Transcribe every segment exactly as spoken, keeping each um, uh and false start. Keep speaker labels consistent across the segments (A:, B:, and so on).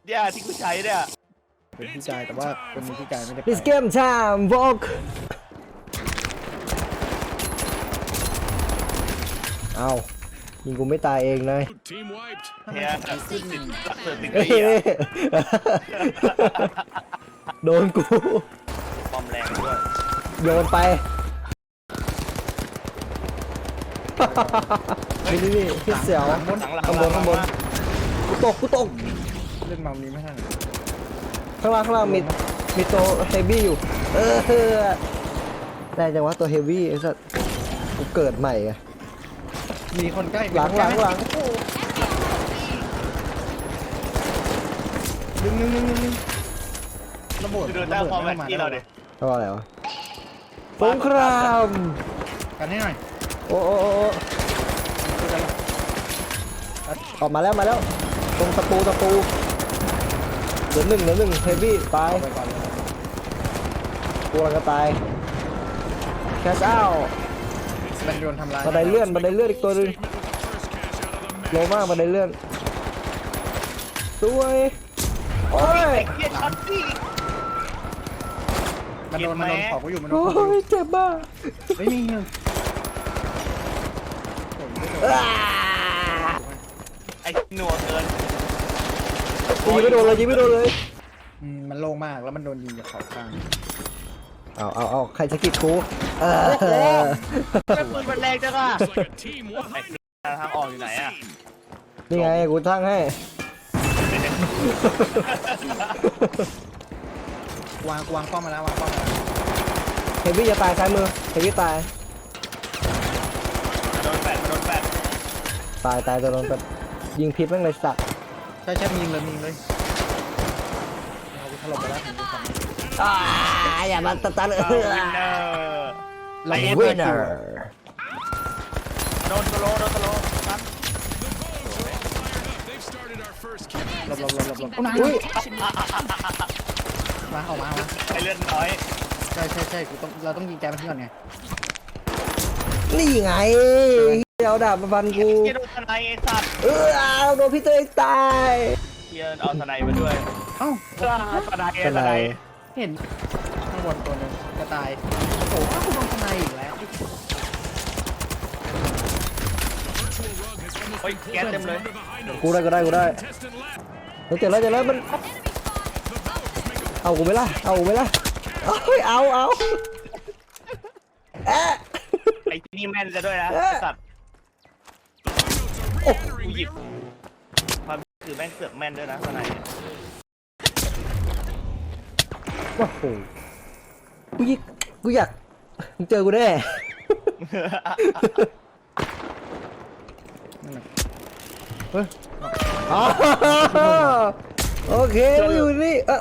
A: เนี่ยที่กูใช้เนี่ย
B: เป็นพี่กายแต่ว่าคนนี้พี่กายไม่ได้ไป
C: This game time walk เอายิงกูไม่ตายเองเลย
A: เนี่ยติดรักเธอติด
C: เฮ้
A: เกีย
C: ยโดนกู
A: ปอมแรงด้วย
C: โยนไปนี่นี่นี่พี่เสี่ยว
A: หลังหลัง
C: ข้างบนข้างบนกูตกกูตก
B: เล่นเมานี้ไม่ทัน
C: ข้างล่างข้างล่างมีมีตัวเฮฟวี่อยู่เออได้จังวะตัวเฮฟวี่ไอ้สัสกูเกิดใหม่อะ
B: มีคนใกล้
C: หลังหลังหลัง
B: นึงนึงนึงนึงนึงระเบิด
A: คือโดนตั้งความแรงที่เราเนี่ย
C: เขาว่าอะไรวะสงคราม
B: กันให้หน่อย
C: โอ้โอ้โอ้โอ้ออกมาแล้วมาแล้วตรงตะปูตะปูเหลือหนึ่งเหลือหนึ่งเฮฟวี่ตาย
B: ไปก่อนเลย
C: กูกำลังจะตายแคชเอา
B: มันโดนทำลาย
C: บันไดเลื่อนบันไดเลื่อนอีกตัวหนึงโลมากบันไดเลื่อนสวยโอ้ย
A: เกียร์ช็อตที่
B: มันโดนมันโดนขอบกูอยู่มันโดน
C: โอ้
B: ขอบกูอยู่
C: ยเจ็บมาก
B: ไม่มีเงิน
C: อ้า
A: ไอ้หนัวเกิน
C: ยิงไม่โดนเลยยิงไม่โดนเลย
B: อืมมันโล่งมากแล้วมันโดนยิงจากเขาข้าง
C: เอาเอาเอาใครจะกิดกูเออ
A: แม่ปืนมันแรงจังอ่ะไอ้ทางออกอยู่ไหนอ่ะ
C: นี่ไงกูทั้งให้
B: วางวางป้อมมาแล้ววางป้อมมาแล้ว
C: เฮฟวี่จะตายซ้ายมือเฮฟวี่ตาย
A: โดนแปดโดนแปด
C: ตายตายจะโดนแบบยิงพิษแม่งเลยสัตว์
B: ใช่ใช่มียิงเลยมียิงเลยเอากูถล่มไปแล้วถึงกูสั่ง
C: อ่าอย่ามาตัดตัดเอ
A: เอา
C: อ
A: วินเนอร์
B: เรา
C: วินเนอร์
A: โดนสโลว์โดนสโลว์ครับ
B: หลบหลบหลบหลบหลบเอามา
C: อุ้ย
B: มาออกมาเอามา
A: ไอ้เลือดน้อย
B: ใช่ใช่ใช่กูต้องเราต้องยิงแกมันทิ้งก่อนไง
C: นี่ไงเดี๋ยวดาบมาฟันกู
A: เกียร์โดนทนายไอ้สัตว์
C: เออเอาโดนพี่เตยตาย
A: เกียร์เอาทนายมาด้วย
B: เอ้า
A: ทนาย
C: เป็น
A: ท
C: ไร
A: นาย
B: เห็นข้างบนตัวหนึงกระต่ายโอ้โหกูโดนทนายอีกแล้ว
A: โอ้ยแก๊สเต็มเลย
C: กูได้กูได้กูได้เฮ้ยเจอแล้วเจอแล้วมันเอากูไหมล่ะเอากูไหมล่ะเอ้ยเอาเอาเอ๊ะ
A: ไอ้ที่นี่แม่นจะด้วยนะไอ้สัตว์โอ้กูหยิบความคือแม่งเสือกแม่นด้วยนะทนาย
C: โอ้โหกูยิกกูอยากมึงเจอกูแน่
B: นั่นแหละ
C: เฮ้ยอ๋อโอเคกูอยู่นี่เออ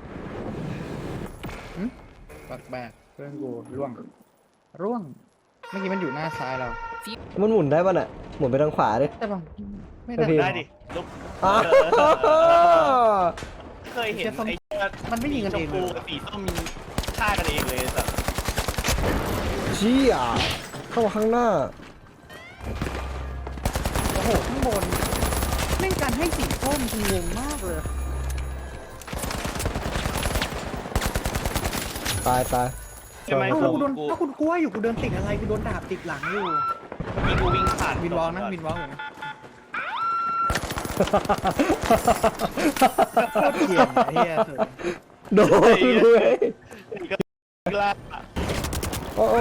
B: ปักแบกเพื่อนกูร่วงร่วงเมื่อกี้มันอยู่หน้าซ้ายเรา
C: มันหมุนได้ป่ะน่ะหมุนไปทางขวาดิ
B: แต่ป่ะไม่
C: ไม่
B: ได้
C: ผิ
A: ได้ดิลุก
C: อ๋อ
A: เคยเห็นไอ้
B: มันไม่ยิงกัน
A: ช
B: เอ
A: ม
B: ง
A: พู
B: เลย
A: กับสีส้มฆ่ากันเองเลยสัตว์
C: เชี่ยเข้ามาข้างหน้า
B: โอ้โหข้างบนเล่นการให้สีส้มกูงงมากเลย
C: ตายตาย
A: ใช่ไหม
B: เอ้า
A: กู
B: กูโดน
A: กู
B: ถ้าคุณกลัวอยู่กูเดินติดอะไรกูโดนดาบติดหลังอยู่
A: มีกูวิ่งผ่าน
B: วินวอลนะวินวอลอยู่นะโคตรเกลียดไอ้เหี้ยเถอะ
C: โดนเลย
A: กล้า
C: โอ้โห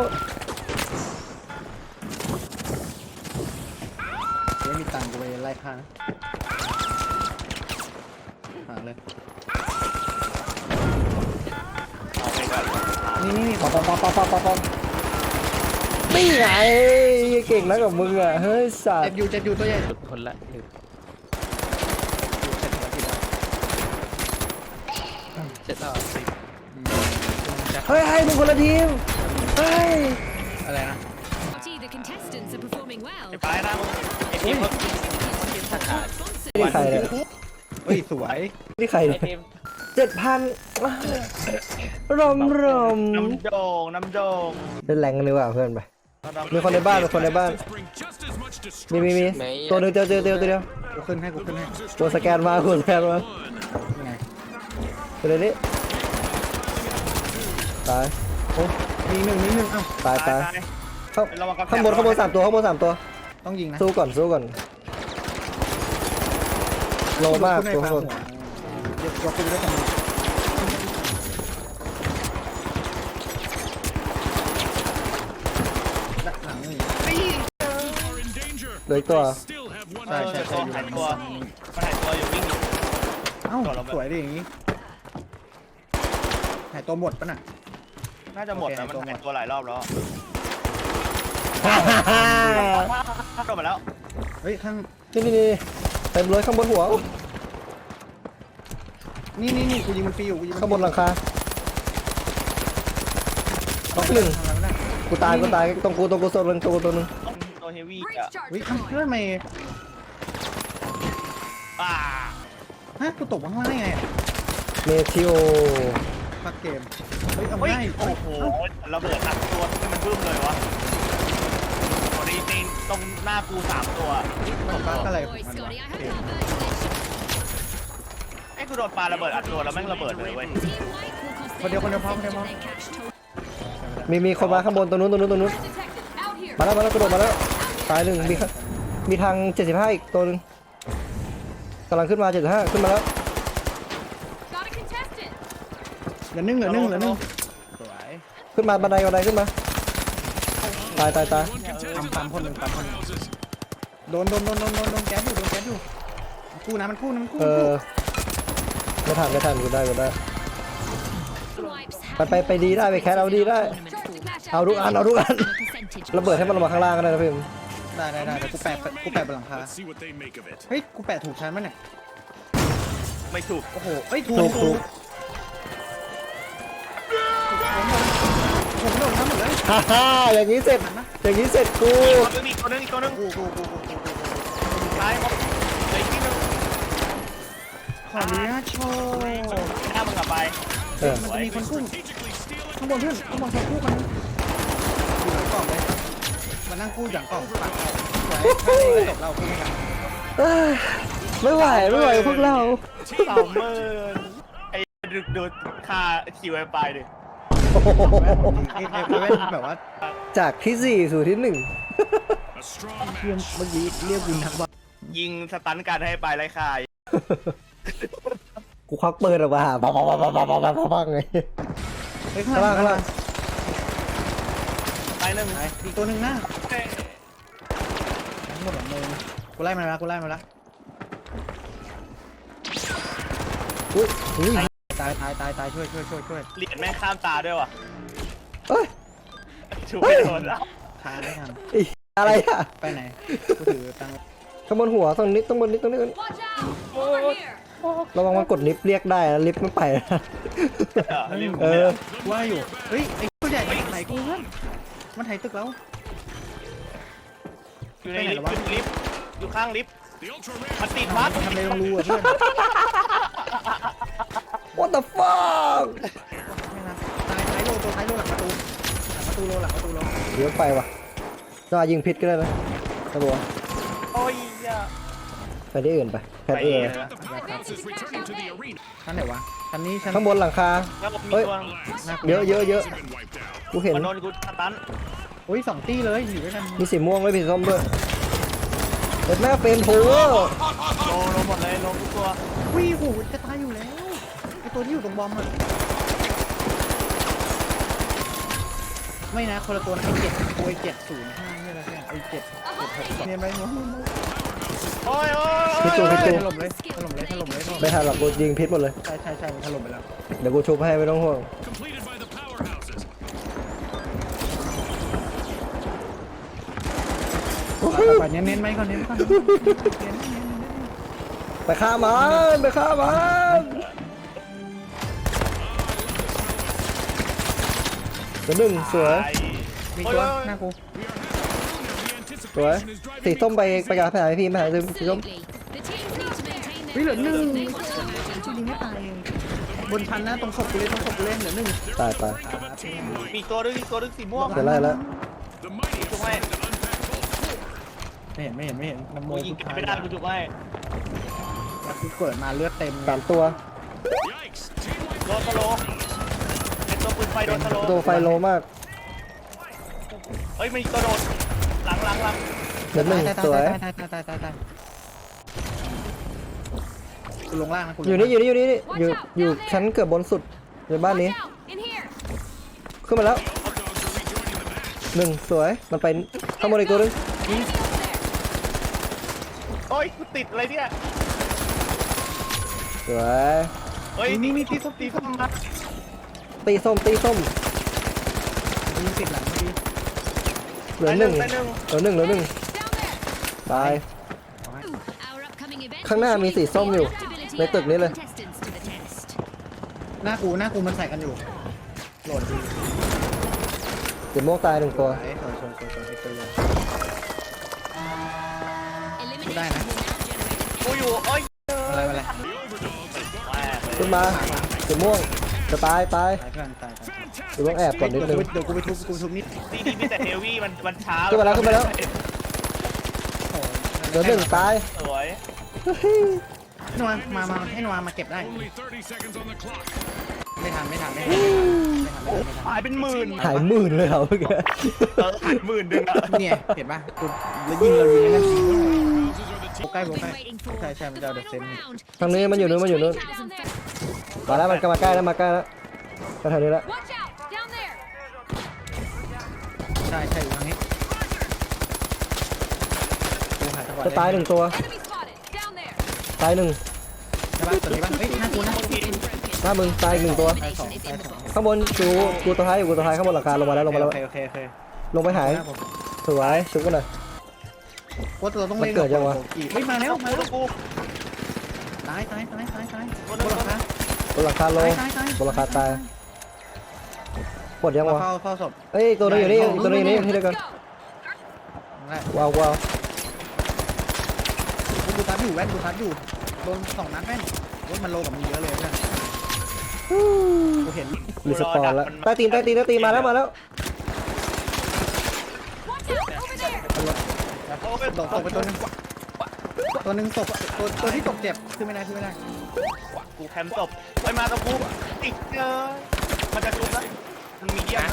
B: ไม่มีตังค์กูไปไล่ฆ่านะหาเลย
A: เอาไปก่อน
B: นี่นี่นี่
C: ปอมปอมปอมปอมปอมปอมปอมนี่ไงเก่งแล้วกับมึงอ่ะเฮ้ยสัต
B: เจ็บ
C: ว์
B: อยู่เจ็บอยู่ตัวใหญ่
A: คนละหนึ่ง
B: เจ็บแล้วสิ
C: เฮ้ยให้มึงคนละทีมเฮ้ย
B: อะไรนะ
D: The contestants are performing well.
A: ไอ้ปลายนะมึงไอ้ทีมเขา
C: นี่ใครเนี่ย
B: เฮ้ยสวย
C: นี่ใคร
A: ไอ้
C: เนี่ย
A: ทีม
C: เจ็ดพันรมรม
A: น้ำโด่งน้ำโด่ง
C: เล่นแรงกันดีกว่าเพื่อนไปมีคนในบ้านมีคนในบ้านมีมีมีตัวหนึงเจอเจอเจอตัวเดียว
B: กูขึ้นให้กูขึ้นให้
C: ตัวสแกนมาตัวสแกนมาไปเลยนี่ตาย
B: โอ้มีหนึ่งมีหนึ่งเอ้า
C: ตายตาย
A: ตาย
C: ข้าง
A: ระวังกระแพง
C: ข้างบนข้างบนสามตัวข้างบนสามตัว
B: ต้องยิงนะ
C: สู้ก่อนสู้ก่อนโลมาก
B: คุณ
C: ตัว
B: ใน
C: ข้างบน
B: หัวเดี๋ยวยกไปด้วยกันด้านหลังนี่
C: เหลยตัว
B: ใช่ใช่ใช่
A: ตัวหายตัวมันหายตัวอยู่วิ่งอยู่
B: เอ้าสวยดิอย่างงี้หายตัวหมดปะน่ะ
A: น่าจะหมดนะมันหายตัวหลายรอบแล้วโดนมาแล้ว
B: เฮ้ยข้าง
C: นี่นี่นี่เต็มเลยข้างบนหัว
B: นี่นี่นี่กูยิงมันฟรีอยู่กูยิงมัน
C: ข้างบนหลังคาท็อปหนึ่ง
B: ทำอะไรไม่ได้
C: กูตายกูตายตรงกูตรงกูโซนหนึ่งตรงกูตัวหนึง
A: ตัวเฮฟวี่
D: Breach
A: อ่ะ
D: charge
B: เฮ้ยข้างเฮ้ยทำไม
A: อ่า
B: ฮะกูตกข้างล่างได้ไงอะ
C: เมทิโอ
B: พักเกมเฮ้ยเอา
A: เฮ้ย
B: ง่าย
A: โอ้โหระเบิดอัดตัวให้มันบึ้มเลยวะโอ้ดีจริงตรงหน้ากูสามตัว
B: มันบักอะไรของ
D: Boy,
B: มันวะ
D: Scotty, I
B: เก
D: hope
B: ม
D: our birthday
A: ไอ้กูโดนปาระเบิดอัดตัวแล้วแม่งระเบิดเลยเว้ย
D: Team White will cost
B: คนเดียวคนเดียวพอคนเดียวพอ
D: their cash total.
C: มีมีคนมาข้างบนตรงนู้นตรงนู้นตรงนู้น
D: Detected. Out here.
C: มาแล้วมาแล้วกระโดดมาแล้วตายหนึ่งมีข้างมีทางเจ็ดสิบห้าอีกตัวหนึ่งกำลังขึ้นมาเจ็ดสิบห้าขึ้นมาแล้ว
D: Got a contestant.
B: เหลือหนึ่งเหลือหนึ่งเหลือหนึ่งสวย
C: ขึ้นมาบันไดบันไดขึ้นมาตายตายตาย
B: ปั๊มปั๊มคนหนึ่งปั๊มคนหนึ่งโดนโดนโดนโดนโดนโดนแก๊สอยู่โดนแก๊สอยู่มันกู้นะมันกู้นะมันกู้
C: เอ
B: มันกู้
C: อไม่ทันไม่ทันกูได้กูได้
D: Wipes
C: ไปไปไปดีได้ไปแคสเอาดีได้
D: tournament pool.
C: เอาทุกอันเอาทุกอัน
D: Percentage.
C: ระเบิดให้มันลงมาข้างล่างก็ได้นะพี่
B: ได้ได้ได้เดี๋ยวกูแปะกูแปะบนหลังคา
E: Let's see what they make of it.
B: เฮ้ยกูแปะถูกชั้นมั้ยเนี่ย
A: ไม่ถูก
B: โอ้โหเฮ้ยถูก
C: ถูกถูก
B: ผมโดนน้ำหมดเลย
C: ฮ่าฮ่าอย่างนี้เสร็จอย่างนี้เสร็จกู
A: ตัวนึงอีกตัวนึงอีกตัวนึง
B: กูกูกูกูกูกูกู
A: ตายหมดเหลยที่นึง
B: ขออนุญาตโชว์
A: หน้ามึงกลับไป
C: เออ
B: มันจะมีคนกู้
E: Strategically steal it.
B: ข้างบนเพื่อนข้างบนคนกู้กันอยู่หลังกล่องเลยมานั่งกู้หลังกล่องปากสวยข้างนี้จบเรากู้ไม่กัน
C: เอ้ยไม่ไหวไม่ไหวพวกเรา
A: สามหมื่นไอ้ดูดูค่าคิวไอไปดิ
B: ไอ้ไอ้เว้นแบบว่า
C: จากที่สี่สู่ที่หนึ่ง
E: A strong
B: เพื่อน
E: match.
B: เมื่อกี้เรียกวินนักบอล
A: ยิงสตันการให้ไปไล่คาย
C: กูควักปืนออกมาปังปังปังปังปังปังปังปังไง
B: เฮ้ย
C: ข้างล่างข้างล่าง
A: ไปหนึ่ง
B: ไปอีกตัวหนึ่งนะ
A: เอ้ย
B: ทั้งหมดแบบมึงกูไล่มาแล้วกูไล่มาแล้ว
C: อุ้ยอุ้ย
B: ตายตายตายตายช่วยช่วยช่วยช่วย
A: เหรียญแม่งข้ามตาด้วยว่ะ
C: เอ้ย
A: ชูไม่โดนแล้ว
B: ทานไม่ทัน
C: อีอะไรอ่ะ
B: ไปไหนกูถือตังค์
C: ข้างบนหัวตรงนี้ตรงบนนี้ตรงนี้
D: Watch out. Over here.
C: ระวังมันกดลิฟต์เรียกได้นะลิฟต์ไม่ไปนะ
A: เออรีบ
C: เออ
B: ว่าอยู่เฮ้ยไอ้ตัวใหญ่ไหนกูเพื่อนมันไถตึกแล้ว
A: อยู่ในลิฟต์อยู่ในลิฟต์อยู่ข้างลิฟต์
E: The ultra rare.
A: มันติดวัด
B: มันทำอะไรลงรูอ่ะเพื่อน
C: What the fuck
B: ไม่นะตายท้ายโลตัวท้ายโลหลังประตูหลังประตูโลหลังประตูโล
C: เดี๋ยวไปว่ะจะยิงพิษก็ได้นะตะบัว
A: โอ้ยอ่ะ
C: ไปที่อื่นไปแพท
A: ไป
C: เอ
A: เอง
C: ง
A: นะ
E: The powerhouses returning to the arena.
B: ชั้นไหนวะชั้นนี้ชั้น
C: ข้างบนหลังคา
A: แล้วก็มี
C: เฮ้ย
A: ตัว
B: หน้ากู
C: เยอะเยอะเยอะ
E: Has been wiped out.
C: กูเห็น
A: มันโดนกูสตัน
B: โอ้ยสองตีเลยอยู่ด้วยกัน
C: มีสีม่วงด้วยมีสีส้มด้วยเด็ดแม่เฟรมโพเวอร์
A: โลโลหมดเลยโลทุกตัว
B: วิ่งหูจะตายอยู่แล้วไอตัวที่อยู่ตรงบอมอ่ะไม่นะคนละตัวนะไอเจ็ดโอ้ยเจ็ดศูนย์ห้าเนี่ยอะไรเนี่ยไอเจ็ดเจ็ดหกเนี่ยไม่รู้
A: โอ้ยโอ้
C: พิษจู
A: ย
C: พิษจู
B: ถล่มเลยถล่มเลยถล่มเลยถล่ม
C: ไม่ทันหรอกกูยิงพิษหมดเลย
B: ใช่ใช่ใช่มันถล่มไปแล้ว
C: เดี๋ยวกูชุบให้ไม่ต้องห่วง
E: Completed by the powerhouses.
B: ไปเน้นเน้นไหมก่อนเน้นก่อนเน้นเน้นเน้น
C: ไปฆ่ามันไปฆ่ามันตัวหนึ่งสวย
A: ตาย
B: มีตัวหน้ากู
E: We are having a moment. The
C: สวย
E: anticipation is
C: สี
E: driving.
C: ส้มไปไปกับแผนพี่แผนสีส้ม
D: Absolutely. The teams need to maintain
B: เฮ้ย
D: their
B: เหลือหนึ่ง
D: focus.
B: กูยิงไม่ตายบนชั้นนะตรงศพกูเลยตรงศพกูเลยเหลือหนึ่ง
C: ตายตาย
E: Of a team
A: มีตัวนึงอีกตัวนึงสีม่วง
C: เดี๋ยวไล่แล้ว
E: The mighty have
A: Wait.
E: started to unpack both.
B: ไม่เห็นไม่เห็นไม่เห็นน้ำโม
A: กูยิง
B: ทุกท้าย
A: ไม่ได้กูจุกให้
B: กูเกิดมาเลือดเต็ม
C: สามตัว
E: Yikes. Team
A: โดนสโลว์เป็นตัวปืนไฟโดนสโลว์
C: ตัวไฟโลมาก
A: เฮ้ยมันตัวโดนหลังหลังหลัง
C: เดี๋ยวหนึ่ง
B: ตาย
C: สวย
B: ตายตายตายตายตายตายกูลงล่างนะกูลง
C: อยู่นี่อยู่นี่อยู่นี่นี่อยู่อยู่ชั้นเกือบบนสุดในบ้านนี้
D: Watch out! In here!
C: ขึ้นมาแล้ว หนึ่งสวยมันไปข้างบนอีกตัวหนึง
D: Enemy over there!
A: โอ้ยกูติดอะไรเนี่ย
C: สวย
A: เฮ้ยนี่นี่ตีส้มตีส้มมา
C: ตีส้มตีส้ม
B: ยิงติดหลังเมื่อกี้
C: เหลือหนึ่ง
A: ไปหนึ่ง
C: เหลือหนึ่งเหลือหนึ่ง
D: Down there!
C: ตาย
D: Our upcoming event
C: ข้างหน้ามีสีส้มอยู่ ในตึกนี้เลย
D: contestants to the test.
B: หน้ากูหน้ากูมันใส่กันอยู่โหลดดี
C: เจ็บโม่วงตายหนึ่งตัว
B: ไอ้สวยสวยสวยสวยไอ้ตัวใหญ่
D: Elimination
B: Đây này.
D: will now generate
A: กูอยู่โอ้ย
B: อะไรอะไร
A: แม่ง
C: ขึ้นมาเจ็บม่วงจะตายตาย
B: ตายเพื่อนตายตาย
C: กูต้องแอบก่อนนิดนึง
B: เดี๋ยวกูไปทุบกูไปทุบนิด
A: ตีดีมีแต่เฮฟวี่มันมันช้า
C: ขึ้นมาแล้วขึ้นมาแล้ว
B: โอ้โห
C: เหลือหนึ่งตาย
A: สวย
B: ให้นวามามาให้นวามาเก็บได้
E: Only thirty seconds on the clock.
B: ไม่ทันไม่ทันไม่ทันไม่ทันไม่ทันไม่ทัน
A: หายเป็นหมื่น
C: หายหมื่นเลยเหรอเมื่อกี้
A: เออหายหมื่นหนึ่งอะ
B: เนี่ยเห็นป่ะกูแล้วยิงเรายิงแล้วยิง
E: Houses are the
B: โบใกล้โบ
D: I've
B: ใกล้
D: been waiting for
B: ใช่ใช่มันจะเอา
D: the
B: เดอะเซน
D: final round.
C: ทางนี้มันอยู่นู้นมันอยู่นู้น
D: Thousand fa-
C: มาแล้วมันก็มาใกล้แล้วมาใกล้แล้วมาแถวนี้แล้ว
D: Watch out! Down there!
B: ใช่ใช่อยู่ทางนี้กูหาจังหวะ
C: จะตายหนึ่งตัว
D: Enemy spotted! Down there!
C: ตายหนึ่ง
B: ใช่ป่ะตัวนี้ป่ะเฮ้ยหน้ากูหน้ากู
D: Been broken.
C: หน้ามึงตายอีกหนึ่งตัว
D: Elimination is in the books.
C: ข้างบนกูกูตัวท้ายอยู่กูตัวท้ายข้างบนหลังคาลงมาแล้วลงมาแล้ว
B: โอเคโอเคโอเค
C: ลงไปหาย
B: หน้าผม
C: สวยชุบกันหน่อย
B: ว่าตัวต้องเล่น
C: มันเกิดยังวะ
B: เฮ้ยมาแล้วมาแล้ว
A: กู
B: ตายตายตายตายตายบนหลังคา
C: บนหลังคาล
B: ตาย
C: ง
B: ตายตาย
C: บนหลังคาตายหมดยังวะ
B: เฝ้าเฝ้าศพ
C: เอ้ยอีกตัวนึงอยู่นี่อีกตัวนึงอยู่นี่ที่เดียวกัน
B: นั่นแหละ
C: ว้าวว้าว
B: กูทับอยู่แว่นกูทับอยู่โดนสองนัดแว่นรถมันโลกับมันเยอะเลยเพื่อนกูเห็น
C: รีสปอนแล้วใต้ตีนใต้ตีนใต้ตีนมาแล้วมาแล้ว
D: Watch out! Over there!
A: โอ้ย
B: ตกตกไปตัวนึงตัวนึงตกตัวตัวที่ตกเจ็บขึ้นไม่ได้ขึ้นไม่ได้
A: กูแคมป์ศพไปมากับกูติดเลยมันจะจุบนะมันมีเยี่ยมนะ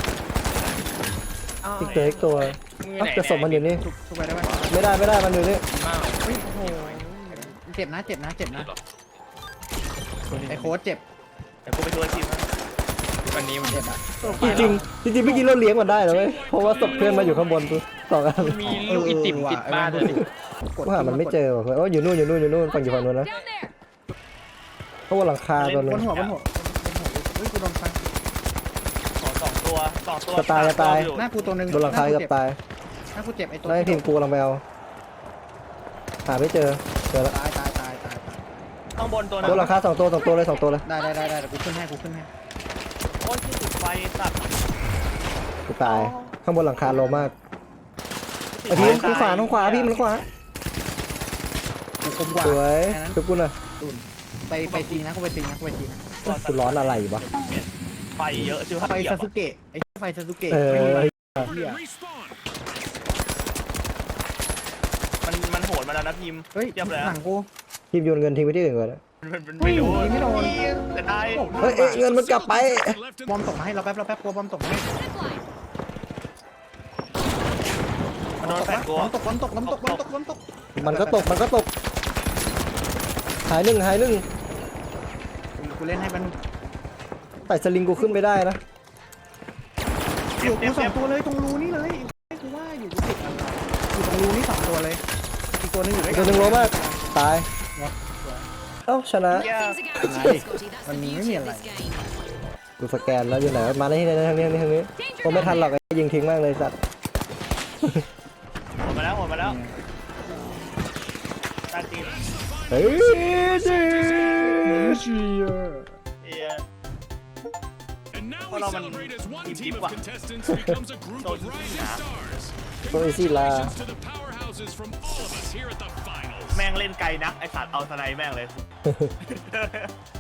C: อีกตัวอีกตัวเอ้าจะศพมันอยู่นี่
B: ทุกทุกไปได้ไหม
C: ไม่ได้ไม่ได้มันอยู่นี่
B: เฮ้ยโอ้โหเจ็บนะเจ็บนะเจ็บนะไอ้โค้ดเจ็บ
A: เดี๋ยวกูไปช่วยทีมนะ
E: วันนี้มัน
B: เจ็บอ่ะ
C: จริงจริงจริงๆเมื่อกี้เราเลี้ยงมันได้เลยเว้ยเพราะว่าศพเพื่อนมาอยู่ข้างบนตัวสองอัน
E: มีลูกไอติมติดบ้านเลย
C: กูหามันไม่เจอว่ะเพื่อนโอ้ยอยู่นู่นอยู่นู่นอยู่นู่นฝั่งอยู่ฝั่งนู้นนะ
D: Down there!
C: ข้างบนหลังคาตัวนึ
B: บ
C: ง
B: นหัวบนหัวบนหัวเฮ้ยกูโดนฟัน
A: สองสองตัวสองตัว
C: จะตายจะตาย
B: หน้ากูตัวนึง
C: บนหลังคาเกือบตาย
B: หน้ากูเจ็บไอ้ตัว
C: แล้วไอ้ทีมกูกำลังไปเอาหาไม่เจอเจอแล้ว
B: ตายตายตายตาย
A: ข้างบนตัว
C: บนหลังคาสองตัวสองตัวเลยสองตัวเลย
B: ได้ได้ได้ได้กูขึ้นให้กูขึ้นให้
A: โอ้ยที่ติดไฟสัตว์
C: กูตายข้างบนหลังคาโลมากไอ้พี่ทางขวาทางขวาพี่มันขวา
B: กูคมกว่า
C: สวย
B: แค่นั้น
C: ชุบกูหน่อย
B: ตุนไปไปตีนะกูไปตีนะกูไปตีนะ
C: กูร้อนอะไรวะ
A: ไฟเยอะชื่อ
B: ไฟซาสึเกะไอ้ไฟซาสึเกะ
C: เออ
B: เหี้ย
E: respawn.
A: มันมันโหดมาแล้วนะพิมพ์
B: เฮ้ย
A: เทียบเลย
B: หลังกู
C: ทีมโยนเงินทิ้งไว้ที่อื่นก่อนนะ
A: มันมันไม่รู้
B: เฮ้ยไม่โดน
A: แต่ได้
C: เฮ้ยเอ้ยเงินมันกลับไป
E: Left
B: บอมตกมาให้เราแป๊บเราแป๊บกลัวบอมตกมาให้
D: Zipline!
A: มันโดนแฟนกู
B: บอมตกบอมตกบอมตกบอมตกบอมตก
C: มันก็ตกมันก็ตกหายหนึ่งหายหนึ่ง
B: กูเล่นให้มัน
C: แต่สลิงกูขึ้นไม่ได้นะ
B: อยู่กูสองตัวเลยตรงรูนี่เลยกูว่าอยู่กูติดอะไรอยู่ตรงรูนี่สองตัวเลยอีกตัวนึงอยู่ด้วย
C: ตัวหนึ่งโลมากตายเอ้าชนะ
D: Things are guaranteed, Scotty. That's the
B: Mình nghĩ
D: beauty
B: nhiều
D: of
B: lại.
D: this game.
C: กูสแกนแล้วอยู่ไหนวะมาในที่ไหนทางนี้ทางนี้ทางนี้ผมไม่ทันหรอกไอ้ยิงทิ้งมากเลยสัตว์
A: หมดมาแล้วหมดมาแล้วตาจีน
C: เฮ้ยเจ๊เชีย
A: เอีย
E: And now we
A: Hold on,
E: celebrate as one
A: team
E: team
A: deep
E: of
A: one.
E: contestants becomes a group of rising stars.
C: ตัวอีซี่ลา
E: Congratulations to the powerhouses from all of us here at the finals.
A: แม่งเล่นไกลนักไอสัตว์เอาสไนแม่งเลย